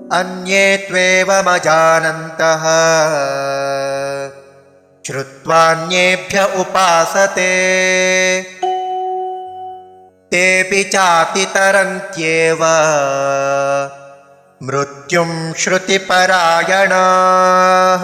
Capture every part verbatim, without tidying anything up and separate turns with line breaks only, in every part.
अन्ये त्वेवमजानन्तः श्रुत्वान्येभ्य उपासते तेऽपि चातितरन्त्येव मृत्युं श्रुतिपरायणाः।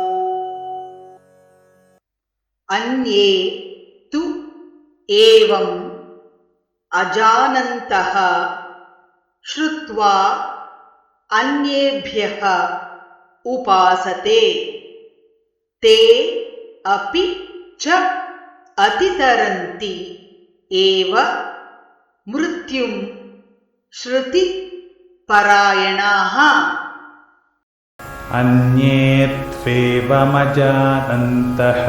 अन्ये तु एवम् अजानन्तः श्रुत्वा अन्येभ्यः उपासते ते अपि च अतितरन्ति एव मृत्युं श्रुतिपरायणाः।
अन्ये त्वेवमजानन्तः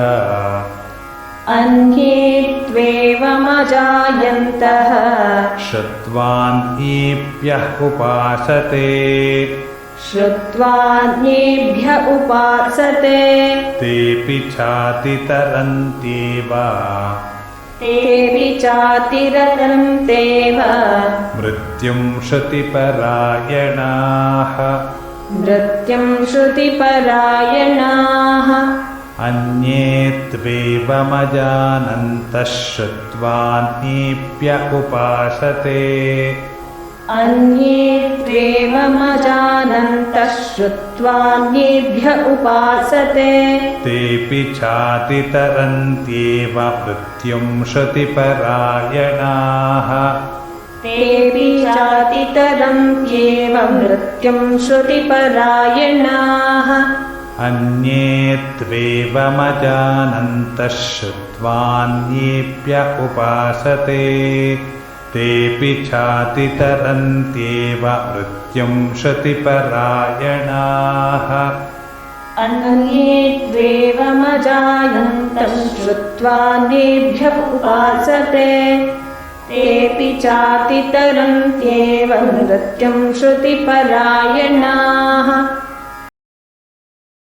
अन्ये त्वेवमजायन्तः
श्रुत्वान्येभ्यः उपासते
श्रुत्वान्येभ्य उपासते
तेऽपि चातितरन्त्येव
तेऽपि चातितरन्त्येव
मृत्युं श्रुतिपरायणाः।
मृत्युं श्रुतिपरायणाः।
अन्ये त्वेवमजानन्तः श्रुत्वान्येभ्य उपासते
अन्ये त्वेवमजानन्तः श्रुत्वान्येभ्य उपासते
तेऽपि चातितरन्त्येव मृत्युं श्रुतिपरायणाः।
तेऽपि चातितरन्त्येव मृत्युं श्रुतिपरायणाः।
अन्ये त्वेवमजानन्तः श्रुत्वान्येभ्य उपासते तेऽपि चातितरन्त्येव मृत्युं श्रुतिपरायणाः।
अन्ये त्वेवमजानन्तः श्रुत्वान्येभ्यः उपासते तेऽपि चातितरन्त्येव मृत्युं श्रुतिपरायणाः।